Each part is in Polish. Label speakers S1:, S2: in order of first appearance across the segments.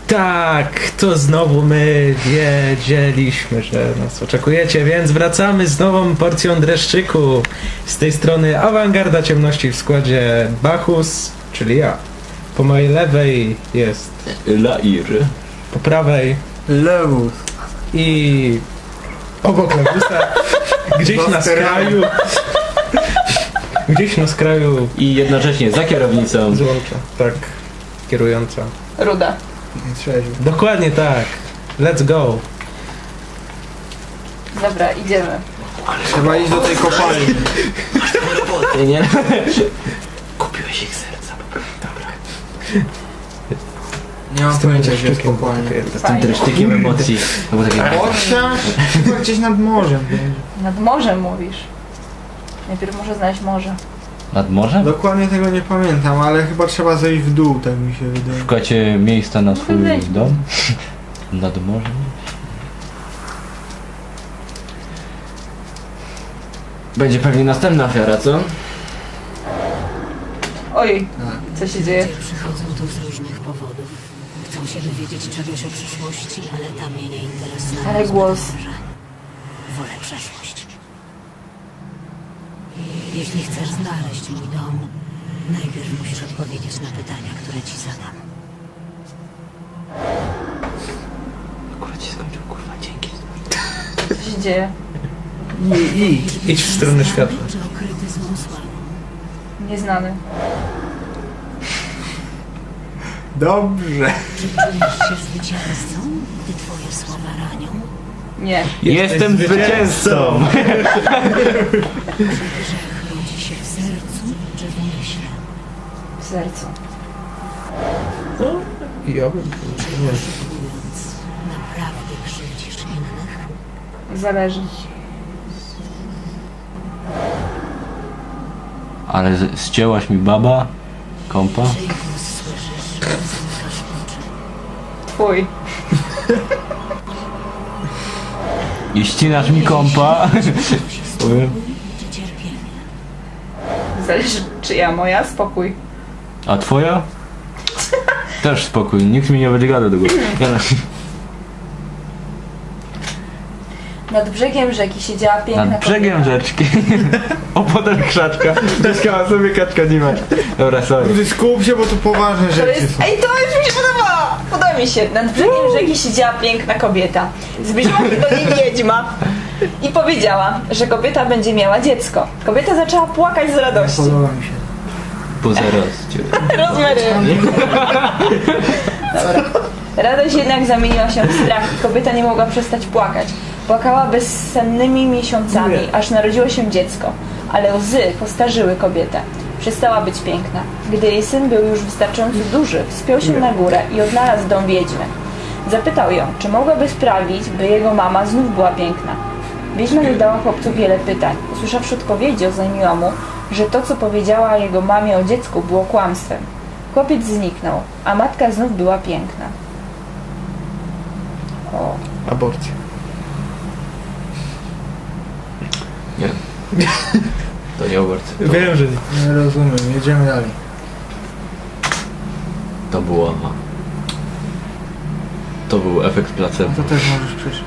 S1: Tak, to znowu my wiedzieliśmy, że nas oczekujecie, więc wracamy z nową porcją dreszczyku. Z tej strony awangarda ciemności w składzie Bachus, czyli ja. Po mojej lewej jest
S2: Lair.
S1: po prawej
S3: Lewus.
S1: i obok Levusa, gdzieś na skraju. Gdzieś na skraju
S2: I jednocześnie za kierownicą.
S1: złącza, tak, kierująca.
S4: Ruda.
S3: Nie trzeźwy.
S1: Dokładnie tak. Let's go.
S4: Dobra, idziemy.
S3: Trzeba iść do tej kopalni.
S2: Roboty, nie? Kupiłeś ich serca. Dobra.
S3: Nie mam pojęcia, gdzie jest kopalnia.
S2: Z tym dreszczykiem emocji. To było takie...
S3: Ocia? Chyba gdzieś nad morzem będzie.
S4: Nad morzem mówisz. Najpierw muszę znaleźć morze.
S2: Nad morzem?
S3: Dokładnie tego nie pamiętam, ale chyba trzeba zejść w dół, tak mi się wydaje.
S2: Szukacie miejsca na swój
S4: Wyjść.
S2: dom? Nad morzem? Będzie pewnie następna ofiara, co?
S4: Oj, co się dzieje?
S5: Ludzie przychodzą tu z różnych powodów. Chcą się dowiedzieć czegoś o przyszłości, ale ta mnie nie interesuje.
S4: Ale głos.
S5: Wolę przeszłość. Jeśli chcesz znaleźć mój dom, najpierw musisz odpowiedzieć na pytania, które ci zadam.
S2: Akurat się skończył, kurwa, dzięki.
S4: Co się dzieje?
S1: Idź w stronę światła.
S5: Czy okryty złą sławą?
S4: Nieznany.
S3: Dobrze.
S5: Czy czujesz się zwycięzcą, gdy twoje słowa ranią?
S4: Nie.
S2: Jestem zwycięzcą!
S5: Grzech rodzi się w sercu, czy w myśle?
S4: W sercu.
S1: Ja bym...
S5: Mówiąc, naprawdę krzywdzisz innych?
S4: Zależy.
S2: Ale ścięłaś mi baba? Kompa?
S5: Czyj głos słyszysz, gdy zamykasz oczy?
S4: Twój.
S2: I ścinasz mi kompa? Powiem.
S5: Czy cierpienie?
S4: Zależy czyja, moja? Spokój.
S2: A twoja? Też spokój, nikt mi nie będzie gadał do góry.
S4: Nad brzegiem rzeki siedziała piękna
S2: Nad brzegiem
S4: kobieta.
S2: rzeczki. Opodal krzaczka. Dziecka sobie kaczka nie ma. Dobra, sorry.
S3: Rudy, skup się, bo tu poważne
S4: To
S3: rzeczy
S4: jest...
S3: są.
S4: Ej, to już mi się podoba! Podoba mi się. Nad brzegiem rzeki siedziała piękna kobieta. Zbliżyła się do niej wiedźma i powiedziała, że kobieta będzie miała dziecko. Kobieta zaczęła płakać z radości.
S3: Podoba mi się.
S2: Po zaraz.
S4: Rozmery. Dobra. Radość jednak zamieniła się w strach i kobieta nie mogła przestać płakać. Płakała bezsennymi miesiącami, aż narodziło się dziecko. Ale łzy postarzyły kobietę. Przestała być piękna. Gdy jej syn był już wystarczająco duży, wspiął się na górę i odnalazł dom wiedźmy. Zapytał ją, czy mogłaby sprawić, by jego mama znów była piękna. Wiedźma zadała chłopcu wiele pytań. Usłyszawszy odpowiedzi, oznajmiła mu, że to, co powiedziała jego mamie o dziecku, było kłamstwem. Chłopiec zniknął, a matka znów była piękna. O,
S1: Aborcja.
S2: Nie. To nie aborcja.
S1: Wiem, że nie.
S3: Nie rozumiem, jedziemy dalej.
S2: To było... To był efekt placebo.
S3: To też możesz przeczytać.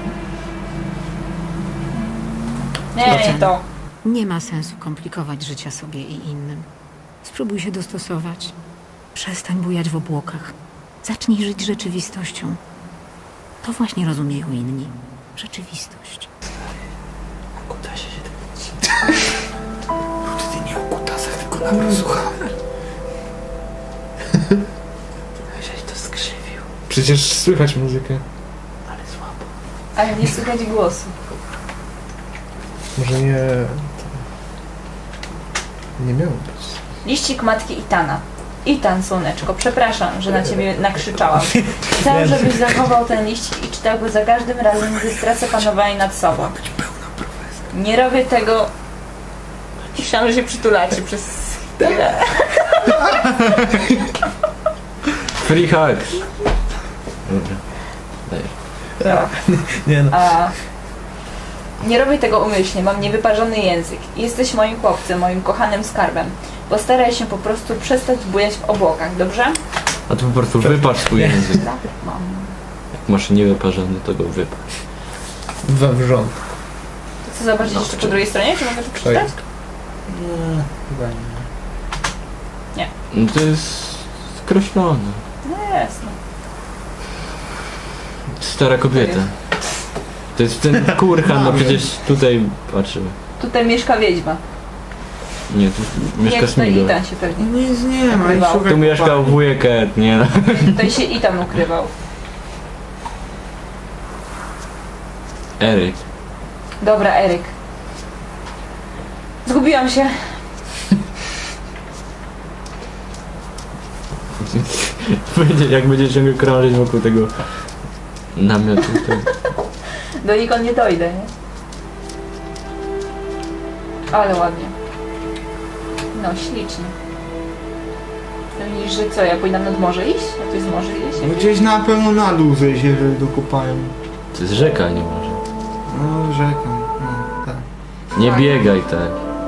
S4: nie to.
S5: Nie ma sensu komplikować życia sobie i innym. Spróbuj się dostosować. Przestań bujać w obłokach. Zacznij żyć rzeczywistością. To właśnie rozumieją inni. Rzeczywistość.
S2: Kuta się
S3: Ty nie o kutasach, tylko na mnie słuchamy.
S2: Żeś to skrzywił,
S1: Przecież słychać muzykę.
S2: ale słabo.
S4: Ale nie słychać głosu.
S1: Może nie... Nie miało być.
S4: Liścik matki Itana. Itan, słoneczko, przepraszam, że na ciebie nakrzyczałam. Chcę, żebyś zachował ten liścik i czytał go za każdym razem, gdy stracę panowanie nad sobą. Nie robię tego... Myślałam, że się przytulacie przez chwilę.
S2: Free hugs. Dobra. Dajesz.
S1: Nie no.
S4: Nie robię tego umyślnie, mam niewyparzony język. Jesteś moim chłopcem, moim kochanym skarbem. Postaraj się po prostu przestać bujać w obłokach, dobrze?
S2: A tu po prostu wyparz swój język.
S4: Tak, mam.
S2: Jak masz niewyparzony, to go wyparz.
S1: Wawrząt.
S4: Chcę zobaczyć jeszcze po drugiej stronie, czy mogę to przeczytać?
S3: Nie, chyba nie.
S2: No to jest skreślone.
S4: No jasne.
S2: Stara kobieta. To jest ten kurhan, no przecież tutaj patrzymy.
S4: Tutaj mieszka wiedźma.
S2: Nie, tu mieszka
S4: Jak to
S2: Smigol.
S4: Itan się pewnie.
S3: Nic nie ma, i
S4: Ukrywał.
S3: szukaj
S2: Tu mieszkał
S3: kopalni.
S2: wujek Ed, nie no.
S4: Tutaj się Itan ukrywał.
S2: Eryk.
S4: Dobra, Eryk. Zgubiłam się.
S2: Jak będzie ciągle krążyć wokół tego namiotu, to...
S4: Donikąd nie dojdę, nie? Ale ładnie. No, ślicznie. To widzisz, że co, ja powinnam nad morze iść? A tu jest morze
S3: No
S4: iść?
S3: gdzieś na pewno na dół zejść, jeżeli do kopalni.
S2: To jest rzeka, nie może.
S3: No rzeka, no tak.
S2: Nie
S4: Tak.
S2: biegaj tak.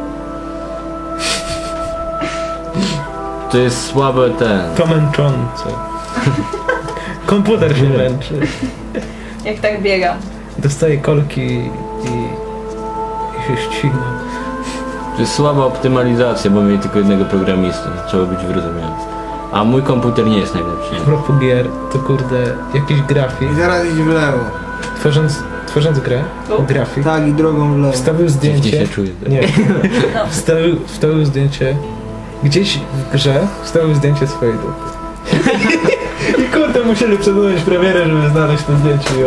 S2: To jest słabe ten.
S1: To męczące. Komputer się męczy.
S4: Jak tak biegam.
S1: Dostaje kolki i się ścina.
S2: To jest słaba optymalizacja, bo mieli tylko jednego programistę. Trzeba być wyrozumiałym. A mój komputer nie jest najlepszy.
S1: A propos gier, to kurde, jakiś grafik,
S3: I zaraz idź w lewo.
S1: tworząc grę,
S4: Tu?
S1: grafik,
S3: Tak, i drogą w lewo.
S1: wstawił
S2: Dziwnie
S1: zdjęcie,
S2: się czuję.
S1: nie,
S4: No.
S1: wstawił zdjęcie, gdzieś w grze wstawił zdjęcie swojej dupy. I kurde, musieli przedłużyć premierę, żeby znaleźć to zdjęcie i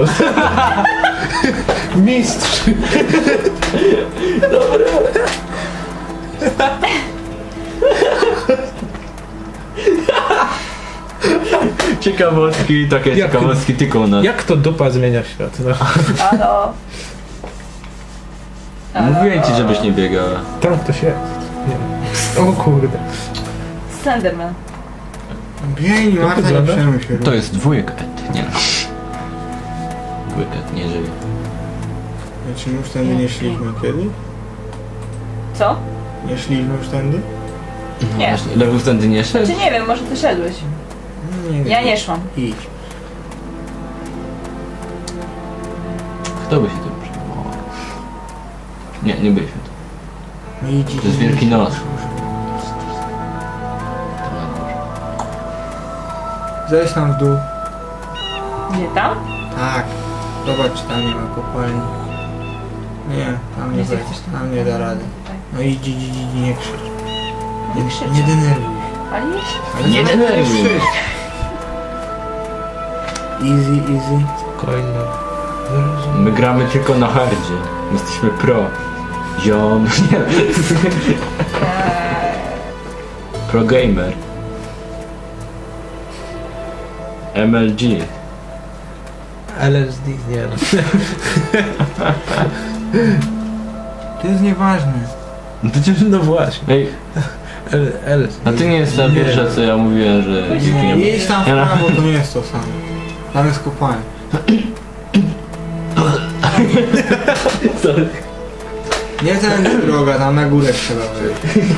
S1: Mistrz!
S2: Ciekawostki, takie
S1: Jak-
S2: ciekawostki tylko u nas.
S1: Jak to dupa zmienia świat? No,
S4: Halo.
S2: Mówiłem ci, żebyś nie biegała.
S1: tam ktoś jest. Nie. O kurde.
S4: Slenderman.
S3: Biegnij, Marta, nie
S1: wygląda?
S3: przejmuj się.
S2: To jest wujek Ed, nie. Wujek Ed nie żyje.
S3: Czy my już tędy nie szliśmy kiedy?
S4: Co?
S3: Nie szliśmy już tędy?
S4: Nie.
S2: Właśnie, Lewus tędy nie szedł?
S4: Czy nie wiem, może ty szedłeś?
S3: Nie wiem.
S4: Ja nie szłam.
S3: Idź.
S2: Kto by się tym przejmował? Nie, nie byliśmy tu.
S3: No idź, idź.
S2: To jest
S3: idź.
S2: Wielki Nos.
S3: Zejdź tam w dół.
S4: Nie tam?
S3: Tak. Zobacz, czy tam nie ma kopalni. Nie, tam nie
S4: Nie
S3: wejść.
S4: chcesz
S3: Tam nie da rady.
S4: Tak.
S3: No idź, idź, idź, idź, nie krzycz.
S4: Nie krzyczę.
S3: Nie denerwuj się.
S4: Ale nie krzyczę.
S3: Ale
S2: Nie denerwuj.
S3: krzycz. Easy, easy.
S1: Spokojnie.
S2: My gramy tylko na hardzie. My jesteśmy pro. Ziom. Nie. Pro gamer. MLG.
S1: LSD, nie no.
S3: To jest nieważne.
S2: No to cię...
S1: No właśnie.
S2: Ej,
S1: LSD.
S2: a ty nie jest ta pierwsza, co ja mówiłem, że...
S3: Nie, jedź tam w
S2: Ja na-
S3: prawo, to nie jest to samo. Tam jest kopalnia. Nie tędy droga, tam na górę trzeba wejść.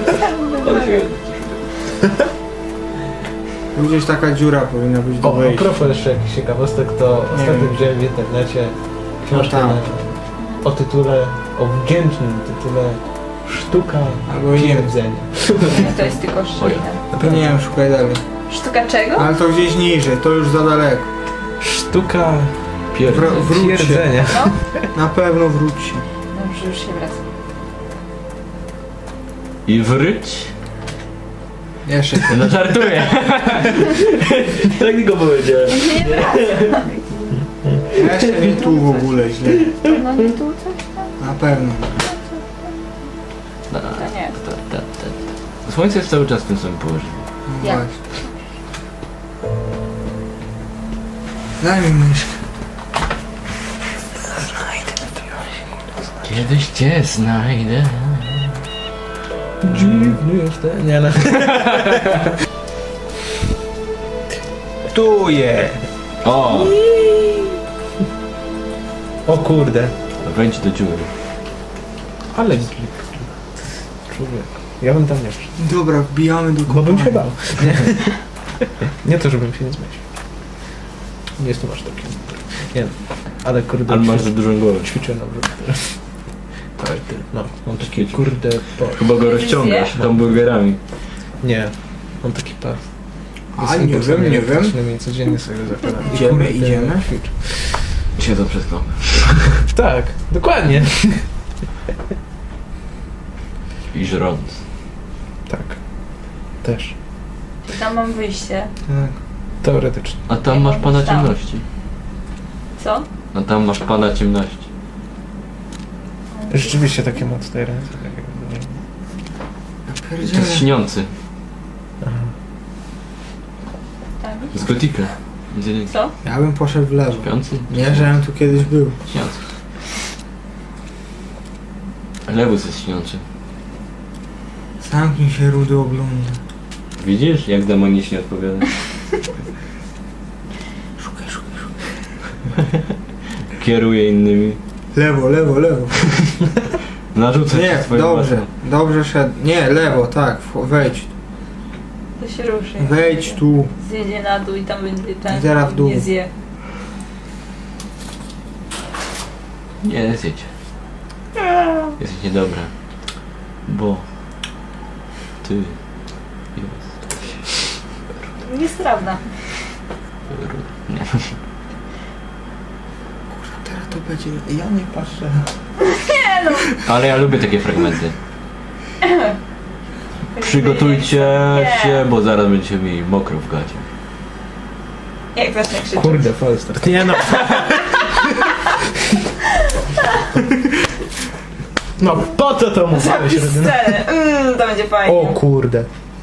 S3: Tu gdzieś taka dziura powinna być do
S1: O, a
S3: wejścia.
S1: propos jeszcze jakichś ciekawostek, to ostatnio
S3: wiem.
S1: widziałem w internecie książkę
S3: tam.
S1: o tytule, o wdzięcznym tytule Sztuka
S3: Albo nie wiem.
S1: pierdzenia.
S4: Nie, to jest tylko szczelina.
S3: To nie wiem, szukaj dalej.
S4: Sztuka czego?
S3: Ale to gdzieś niżej, to już za daleko.
S1: Sztuka
S2: Pierdol.
S3: Wróć się.
S1: pierdzenia.
S4: No?
S3: Na pewno wróć się.
S4: Dobrze, już się wracam.
S2: I wróć.
S3: Jeszcze się.
S2: No żartuję. Tak go powiedziałem.
S4: Nie wracam.
S3: Jeszcze nie tu w ogóle źle.
S4: No nie tu coś tam?
S3: Na pewno.
S2: No,
S4: To nie.
S2: Słońce jest cały czas w tym samym położeniu.
S3: No
S4: Jak?
S3: właśnie. Daj mi myszkę.
S2: Kiedyś cię znajdę.
S1: Dziwny jestem. Nie no. Tu je.
S2: O!
S1: O kurde.
S2: Wejdź do dziury.
S1: Ale glik. Człowiek. Ja bym tam nie wszedł.
S3: Dobra, wbijamy do
S1: Bo bym się
S3: kopalni.
S1: bał. Nie to, żebym się nie zmieścił. Nie jestem aż taki. Nie no, ale kurde...
S2: Ale masz za dużą głowę.
S1: Ćwiczę na brzuch teraz. Tak, no. Mam taki
S2: Ćwicz.
S1: kurde pas.
S2: Chyba go rozciągasz hamburgerami.
S1: Nie, mam taki pas.
S3: A, nie wiem.
S1: I codziennie sobie go zakładam. I
S3: Idziemy,
S1: kurde,
S3: idziemy.
S1: ćwiczę.
S2: Siedzą przez klapę.
S1: Tak, dokładnie.
S2: I żrąc.
S1: Tak. Też.
S4: I tam mam wyjście.
S3: Tak.
S1: Teoretycznie.
S2: A tam
S4: Jak
S2: masz
S4: on
S2: pana
S4: wstał?
S2: ciemności.
S4: Co?
S2: A tam masz pana ciemności.
S1: Rzeczywiście takie ma tutaj ręce. Tak jakby,
S3: Ja
S2: To
S3: pierdzielę.
S2: jest śniący.
S1: aha.
S4: Tam
S2: Z gotika. Gdzie
S4: Co?
S3: Ja bym poszedł w lewo.
S2: śpiący?
S3: Nie, żebym tu kiedyś był.
S2: Śniący. Lewus jest śniący.
S3: Zamknij się, rudy ogląda.
S2: Widzisz, jak demonicznie odpowiada?
S3: Szukaj.
S2: Kieruje innymi.
S3: Lewo.
S2: Narzuca
S3: Nie,
S2: ci swoje
S3: dobrze.
S2: własne.
S3: Dobrze szedł. Nie, lewo, tak. Wejdź.
S4: To się ruszy.
S3: Wejdź tu.
S4: Zjedzie na dół i tam będzie ten.
S3: I zaraz w dół.
S4: Nie zje.
S2: Nie, zjedź. Jesteś niedobra. Bo... Ty... Jesteś...
S4: Niestrawna.
S2: Nie.
S3: Teraz to będzie... Ja nie patrzę.
S2: Ale ja lubię takie fragmenty. Przygotujcie się, bo zaraz będziecie mieli mokro w gacie.
S4: Jak zacznę krzyczeć.
S1: Kurde, falstart. Nie no. No po co to mówiłeś,
S4: Zapis
S1: Rodyna?
S4: scenę. To będzie fajnie.
S1: O kurde.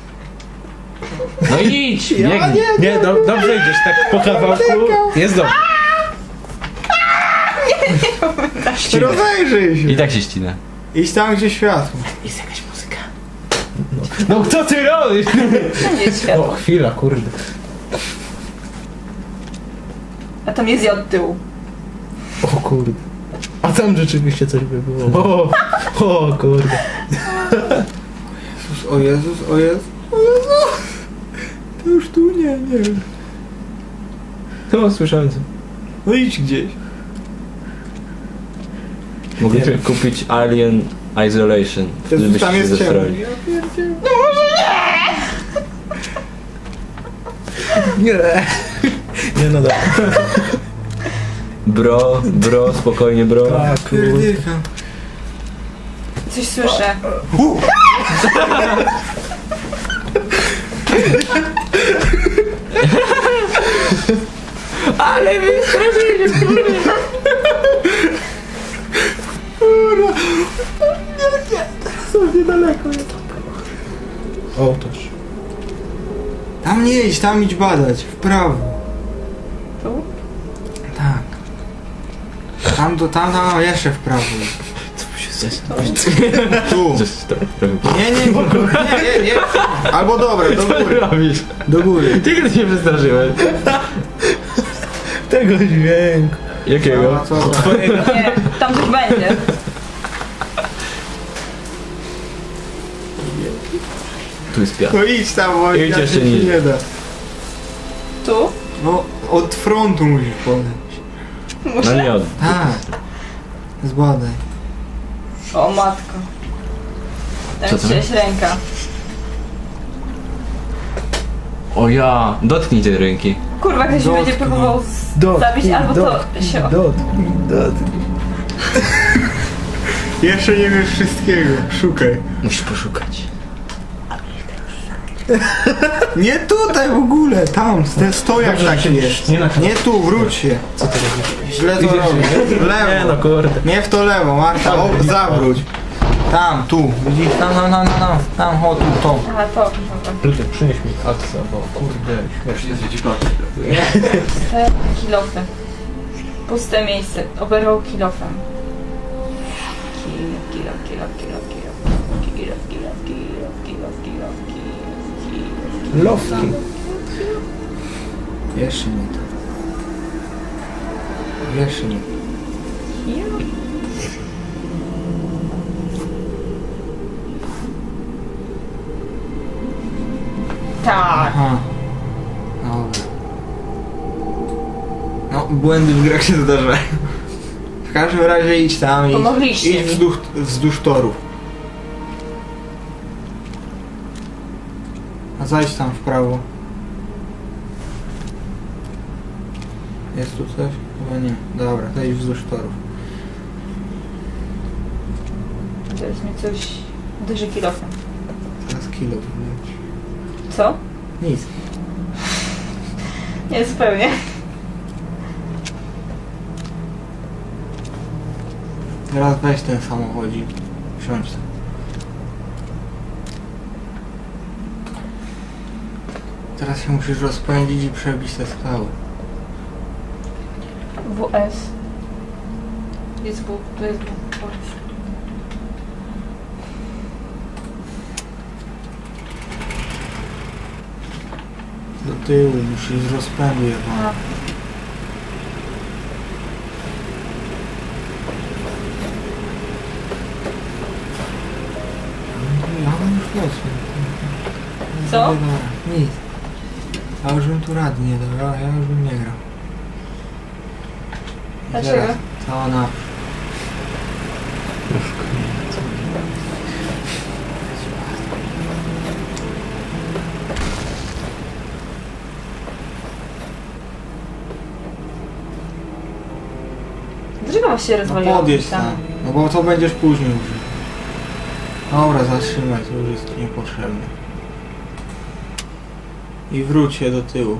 S2: No idź! Biegnij!
S1: Nie, dobrze idziesz, tak po kawałku. Jest dobrze.
S3: Rozejrzyj się.
S2: I tak się ścina.
S3: Idź tam, gdzie światło.
S1: Jest jakaś muzyka. No co ty robisz?
S4: Wszędzie jest
S1: O,
S4: światło.
S1: chwila, kurde.
S4: A tam jest od tyłu.
S1: O kurde. A tam rzeczywiście coś by było. O kurde.
S3: O Jezus. To już tu nie wiem.
S1: No, słyszałem co.
S3: No idź gdzieś.
S2: Mogliśmy kupić Alien Isolation. Wtedy
S3: Jezus,
S2: byście
S3: tam
S2: się
S3: jest ciemno.
S2: zestrali.
S3: Ja pierdzielę.
S1: Nie. Nie no dobra.
S2: Bro, spokojnie bro.
S1: Tak, kurde.
S3: Pierdyka.
S4: Coś słyszę.
S2: Ale wy
S3: Są niedaleko.
S1: O, toż.
S3: Tam nie idź, tam idź badać. W prawo.
S4: Tu?
S3: Tak. Tam, jeszcze w prawo.
S1: Co się zesrał?
S3: Tu.
S2: Coś to robił.
S3: Nie. Albo dobra, do
S2: Co
S3: góry.
S2: robisz?
S3: Do góry.
S2: Ty się przestraszyłeś.
S1: Tego dźwięku.
S2: Jakiego?
S3: A, co?
S1: Twojego.
S4: Nie, tam coś będzie.
S2: Tu jest piach.
S3: No idź tam, bo
S2: Idź
S3: inaczej
S2: jeszcze
S3: ci
S2: niżej.
S3: nie da.
S4: Tu?
S3: No, od frontu musisz podejść.
S2: No nie od.
S3: Tak. Zbadaj.
S4: O matko.
S2: Co
S4: Tam
S2: to?
S4: jest ręka.
S2: O ja! Dotknij tej ręki.
S4: Kurwa, ktoś
S3: Dotknij.
S4: będzie próbował zabić, albo to się...
S1: Dotknij.
S3: Jeszcze nie wiesz wszystkiego. Szukaj.
S2: Musisz poszukać.
S3: Nie tutaj w ogóle, tam, ten stojak
S1: Dobrze,
S3: taki
S1: że się
S3: jest.
S1: nie na kanał.
S3: Nie tu, wróć się.
S1: Co ty robisz?
S3: Źle to
S1: Idziesz,
S3: robisz.
S1: nie?
S3: W lewo.
S1: Nie no, kurde.
S3: Nie w to lewo, Marta, o, zawróć. Tam, tu, widzisz, tam, chodź tu, to.
S4: Aha, to.
S1: Ludzie, przynieś mi aksa, bo kurde, śmiesznie.
S4: To jak kilofy. Puste miejsce. Oberwał kilofem.
S1: Lowki.
S3: Jeszcze nie to. Jeszcze nie.
S4: Tak.
S3: Aha. błędy w grach się zdarzają. W każdym razie idź tam i
S4: Pomogliście
S3: idź
S4: mi.
S3: wzdłuż torów. A zajdź tam w prawo. Jest tu coś? Chyba nie. Dobra, to idź wzdłuż torów.
S4: Teraz mnie coś uderzy kilofem.
S3: Teraz kilo wyleci.
S4: Co?
S3: Nic.
S4: Nie, zupełnie.
S3: Teraz weź ten samochodzik. Wsiądź tam. Teraz się musisz rozpędzić i przebić te skały.
S4: WS. Jest W, to jest W.
S3: Do tyłu musisz z rozpędu jechać.
S4: A.
S3: Ja mam już losy.
S4: Co?
S3: Nic. Ja już bym tu rady nie dał, ja już bym nie grał. I
S4: Dlaczego?
S3: teraz cała na...
S4: Dlaczego was się
S3: No
S4: rozwaliło?
S3: podjedź tam. No bo to będziesz później użył. Dobra, zatrzymaj, to już jest niepotrzebne. I wróć się do tyłu.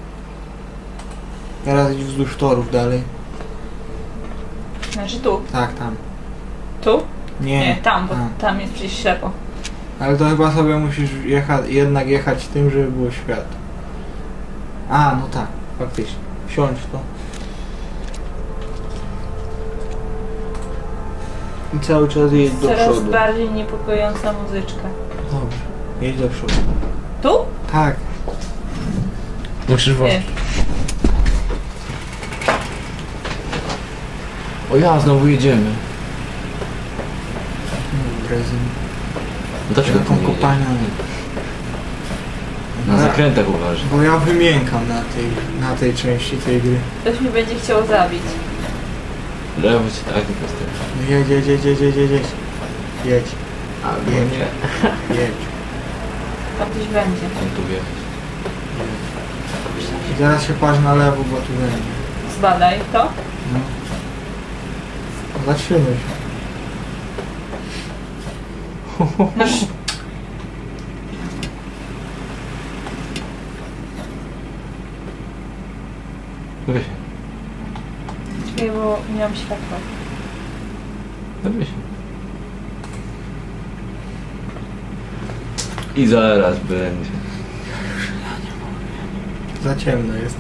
S3: Teraz idź wzdłuż torów dalej.
S4: Znaczy tu.
S3: Tak, tam.
S4: Tu?
S3: Nie,
S4: Nie, tam, bo
S3: tam.
S4: tam jest przecież ślepo.
S3: Ale to chyba sobie musisz jednak jechać tym, żeby było światło. A, no tak, faktycznie. Wsiądź w to. I cały czas jedź do
S4: Coraz
S3: przodu.
S4: bardziej niepokojąca muzyczka.
S3: Dobrze, jedź do przodu.
S4: Tu?
S3: Tak.
S1: Musisz
S4: Nie.
S1: włączyć.
S2: O ja, znowu jedziemy.
S3: Brezyn.
S2: No dlaczego
S3: Taką
S2: tu nie
S3: kopalnią.
S2: Na zakrętach uważaj.
S3: Bo ja wymiękam na tej części tej gry.
S4: Ktoś mnie będzie chciał zabić.
S2: Lewo cię tak tylko stać.
S3: No jedź. Jedź,
S2: Albo
S3: Jedź.
S2: nie.
S3: jedź.
S4: Tam ktoś będzie.
S2: Tam tu wjechać.
S3: I teraz się patrz na lewo, bo tu będzie.
S4: Zbadaj to.
S3: No. Zatrzymaj się.
S4: No,
S2: Weź.
S4: czekaj, bo nie mam światła.
S2: Weź. I zaraz będzie.
S3: Za ciemno jest.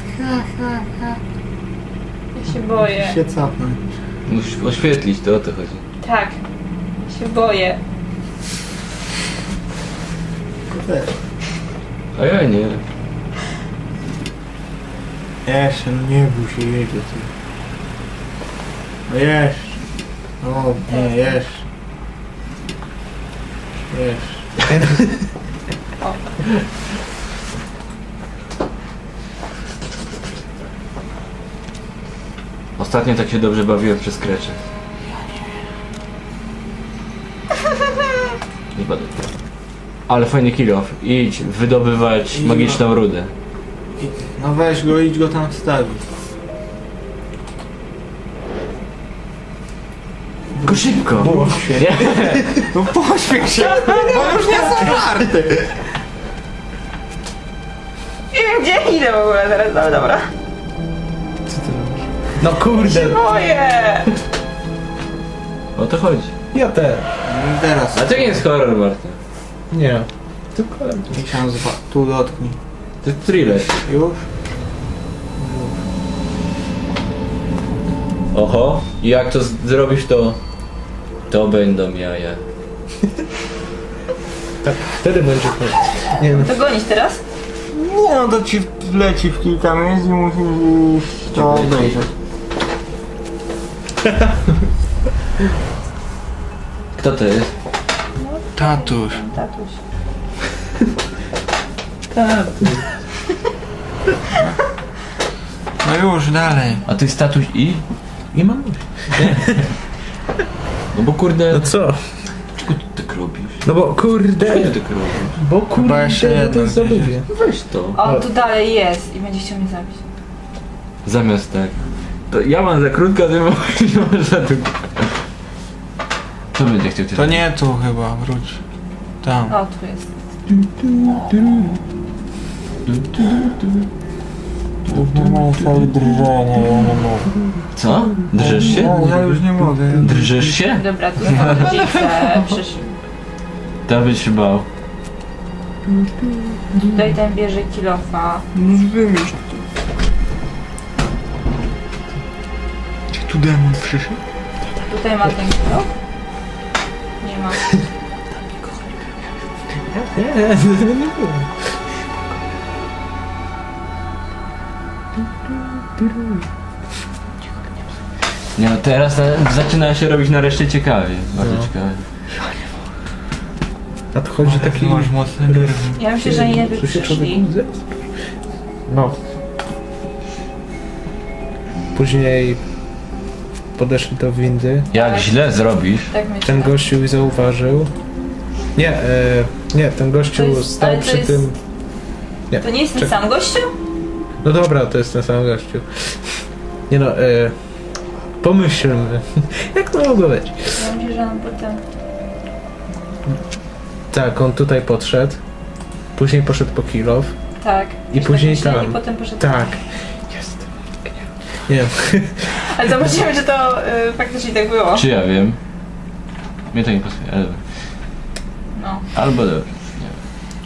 S4: Ja się boję.
S3: Się capnąć.
S2: Musisz oświetlić, to o to chodzi.
S4: Tak. Ja się boję.
S3: To też.
S2: A ja nie.
S3: Jeszcze, no nie bój się, jedzie ty. No jeszcze. O, nie, jeszcze. Jeszcze.
S4: O.
S2: Ostatnio tak się dobrze bawiłem przez krecze. Nie padł. Ale fajny kill off. Idź wydobywać magiczną rudę.
S3: No weź go, idź go tam wstawić.
S2: Tylko szybko!
S3: Pośpiech.
S2: Nie.
S3: No pośpiech się, bo już nie są żarty.
S4: Nie wiem gdzie idę w ogóle teraz, ale dobra.
S1: Co ty robisz? No kurde!
S4: Boję!
S2: O to chodzi.
S1: Ja też.
S3: No i teraz.
S2: A to nie jest horror, Marta.
S1: Nie. Tylko...
S3: I tam tu dotknij.
S2: To jest thriller.
S3: Już?
S2: Oho. I jak to zrobisz, to będą jaja.
S1: Tak, wtedy będzie koniec. Nie no.
S4: To gonić teraz?
S3: Nie no, to ci wleci w kilka miejsc i musisz iść to obejrzeć.
S2: Kto to jest?
S3: Tatuś.
S4: Tatuś.
S3: No już, dalej.
S2: A to jest tatuś i?
S1: I mam.
S2: No bo kurde...
S1: No co?
S2: Czego ty tak robisz?
S1: No bo kurde.
S2: Czego ty tak robisz?
S1: Bo kurde,
S3: jeszcze
S1: ja
S3: jedno
S1: to za
S3: gdzieś
S1: lubię.
S2: Weź to.
S4: O, tu dalej jest i będzie chciał mnie zabić.
S2: Zamiast tak. To ja mam za krótko, a ty masz za długo. Co będzie chciał cię
S3: To nie tu chyba, wróć. Tam.
S4: O, tu jest.
S3: Mam całe drżenie, ja nie mogę.
S2: Co? Drżysz się?
S3: Ja już nie mogę.
S2: Drżysz się?
S4: Dobra, tu są rodzice przyszli.
S2: To byś się bał.
S4: Tutaj ten bierze kilofa.
S3: No wymyśl. Czy tu demon przyszedł?
S4: Tutaj ma ten kilof. Nie ma.
S2: Nie no, teraz zaczyna się robić nareszcie ciekawie. Bardzo
S1: No.
S2: ciekawie.
S1: Nadchodzi
S3: Taki
S1: taki...
S3: masz mocny nerwy.
S4: Ja myślę, że nie by
S1: Tu się człowiek
S4: przyszli.
S1: łzy. No. Później podeszli do windy.
S2: Jak źle zrobisz,
S4: Tak myślę.
S1: Ten gościu ich zauważył. Nie, nie, ten gościu
S4: To jest-
S1: stał
S4: ale to
S1: przy
S4: jest-
S1: tym... Nie,
S4: To nie jest ten
S1: czekaj.
S4: sam gościu?
S1: No dobra, to jest ten sam gościu. Nie no, pomyślmy. Jak to mogło być?
S4: Ja myślę, że on potem...
S1: Tak, on tutaj podszedł. Później poszedł po kilof.
S4: Tak.
S1: I
S4: Już
S1: później
S4: tak myślę,
S1: tam.
S4: I potem poszedł.
S1: Tak. Jest. Nie wiem.
S4: Ale zobaczymy, czy to faktycznie tak było.
S2: czy ja wiem? Mnie to nie pasuje, ale...
S4: No.
S2: Albo dobrze, nie wiem.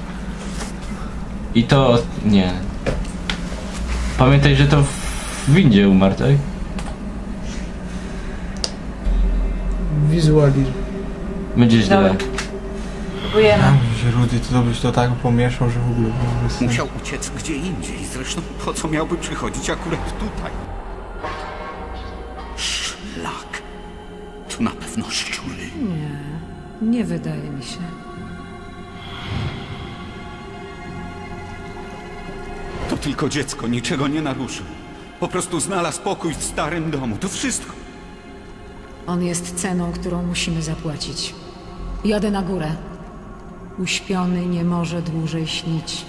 S2: I to... nie. Pamiętaj, że to w windzie umarł, tak?
S1: Wizualizm.
S2: Będzie źle.
S4: Dobra. Próbujemy.
S3: Tam się Rudy, to byś to tak pomieszał, że w ogóle byłoby sens.
S6: Musiał uciec gdzie indziej. Zresztą po co miałby przychodzić akurat tutaj? Szlak. To na pewno szczury.
S5: Nie wydaje mi się.
S6: To tylko dziecko, niczego nie naruszył. Po prostu znalazł pokój w starym domu. To wszystko.
S5: On jest ceną, którą musimy zapłacić. Jadę na górę. Uśpiony nie może dłużej śnić.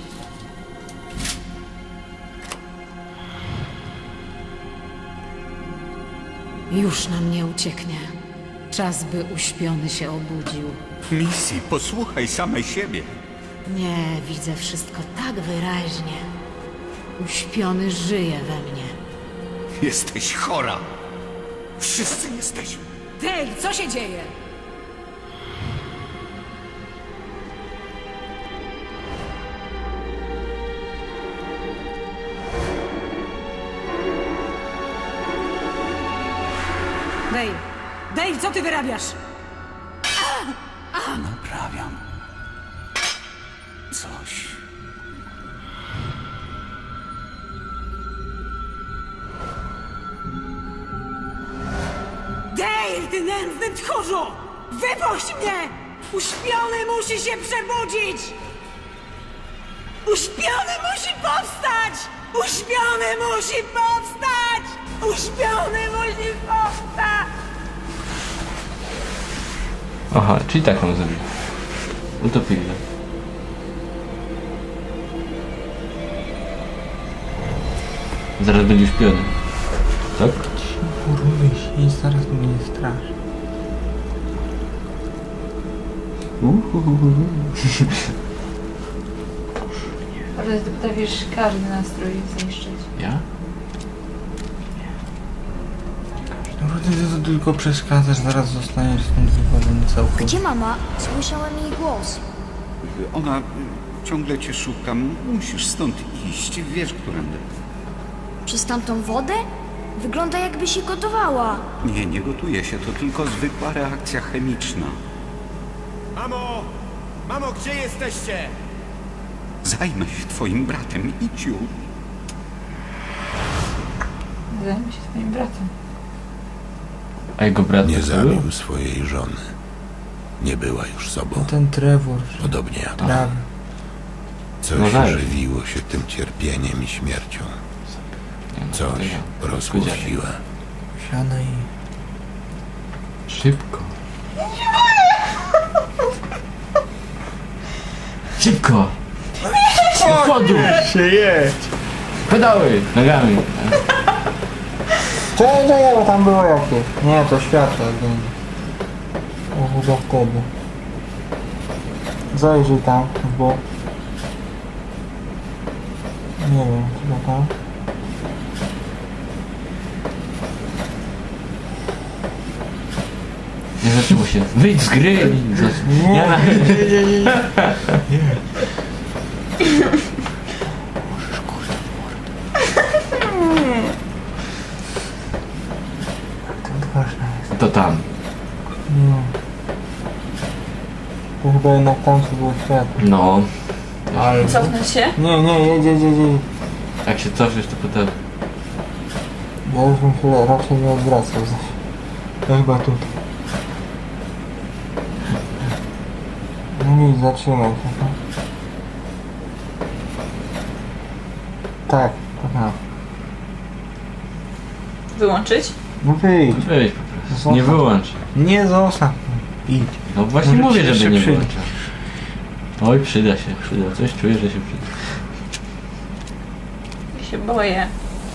S5: Już nam nie ucieknie. Czas, by uśpiony się obudził.
S6: Misji, posłuchaj samej siebie.
S5: Nie, widzę wszystko tak wyraźnie. Uśpiony żyje we mnie.
S6: Jesteś chora. Wszyscy jesteśmy.
S5: Dale, co się dzieje? Dale! Dale, co ty wyrabiasz?
S6: Naprawiam. Coś.
S5: Dale, ty nędzny tchórzu! Wypuść mnie! Uśpiony musi się przebudzić! Uśpiony musi powstać! Uśpiony musi powstać! Uśpiony musi powstać!
S2: Aha, czyli tak mam zrobić. Utopili. Zaraz będzie uśpiony. Tak?
S3: Rudy, i zaraz mnie nie strasz.
S4: Ale ty potrafisz każdy nastrój zniszczyć.
S2: Ja?
S3: Rudy, ty to tylko przeszkadzasz, zaraz zostaniesz stąd wywalony całkowicie.
S7: Gdzie mama? Słyszałem jej głos.
S6: Ona ciągle cię szuka. Musisz stąd iść. Wiesz, którędy.
S7: Przez tamtą wodę? Wygląda jakby się gotowała.
S6: Nie, nie gotuje się. To tylko zwykła reakcja chemiczna.
S8: Mamo! Mamo, gdzie jesteście?
S6: Zajmę się twoim bratem. Idź już.
S4: Zajmę się twoim bratem.
S2: A jego brat
S9: Nie
S2: tak zrobił?
S9: zabił swojej żony. Nie była już sobą,
S3: Ten Trevor,
S9: podobnie jak on.
S3: prawie.
S9: Coś
S2: No weź.
S9: żywiło się tym cierpieniem i śmiercią. Coś rosło w siłę.
S3: Siadaj.
S2: Szybko. Szybko! Do przodu!
S3: Się jedź!
S2: Pedały! Nogami!
S3: Czekaj, bo tam było jakieś. Nie, to światło będzie. O, chyba wtedy. Zajrzyj tam w bok. Nie wiem, chyba tam.
S2: Nie zaczęło się. Wyjdź z gry!
S3: Nie,
S2: Ja na...
S3: Ten ważny jest.
S2: To tam.
S3: Nie. To chyba jednak tam co było światło.
S2: No.
S3: Ale...
S4: Cofnąć się?
S3: Nie, jedź.
S2: Jak się cofniesz, to potem...
S3: Ja już bym się raczej nie odwracał. To chyba tutaj. No nic, zatrzymaj się. No. Tak, to tam.
S4: Wyłączyć?
S3: No wyjdź.
S2: Wyjdź po prostu. Nie wyłącz.
S3: Nie zostaw. Idź.
S2: No właśnie
S3: Może
S2: mówię,
S3: ci
S2: żeby
S3: się
S2: nie
S3: przyda.
S2: wyłączał. Oj, przyda się, przyda. Coś czuję, że się przyda.
S4: Ja się boję.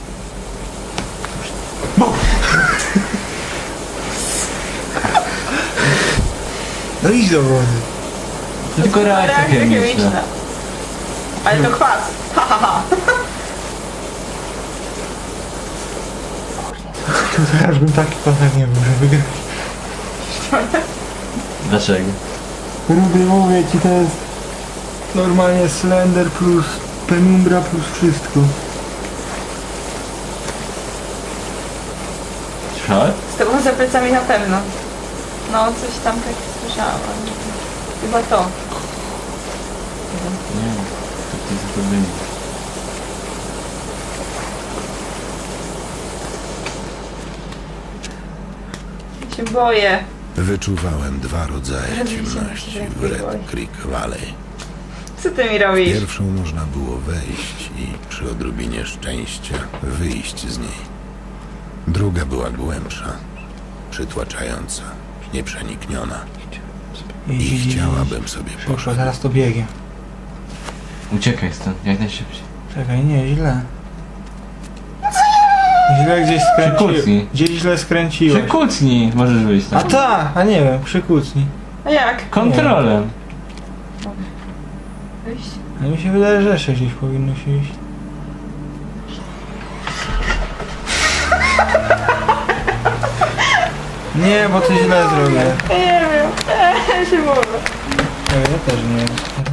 S3: No idź do wody.
S2: To tylko reakcja chemiczna.
S4: Ale to kwas. Ha, ha, ha.
S3: To teraz bym taki pasek nie był, że wygrać.
S2: Dlaczego?
S3: Rudy, mówię ci, to jest normalnie Slender plus Penumbra plus wszystko.
S2: Słyszałeś?
S4: Z tobą za plecami na pewno. No, coś tam tak słyszałam. ale chyba to.
S2: Nie. To jest zrobienie.
S4: Ja się boję.
S9: Wyczuwałem dwa rodzaje
S4: Robicie
S9: ciemności
S4: na
S9: w Red Creek Valley.
S4: Co ty mi robisz?
S9: Pierwszą można było wejść i przy odrobinie szczęścia wyjść z niej. Druga była głębsza, przytłaczająca, nieprzenikniona. I chciałabym sobie
S3: Szybko,
S9: poszedł.
S3: zaraz to biegnie.
S2: Uciekaj stąd, jak najszybciej.
S3: Czekaj, nie, źle. Źle gdzieś skręciłem.
S2: Przykucnij.
S3: Gdzieś źle skręciłem.
S2: Przykucnij! Możesz wyjść
S3: A
S2: tam.
S3: ta, a nie wiem, przykucnij.
S4: A jak?
S2: Kontrolem.
S4: Wyjść?
S3: Ale mi się wydaje, że jeszcze gdzieś powinno się iść. Nie, bo to źle zrobię.
S4: Ja nie wiem. Ja się boję.
S3: Ja też nie wiem.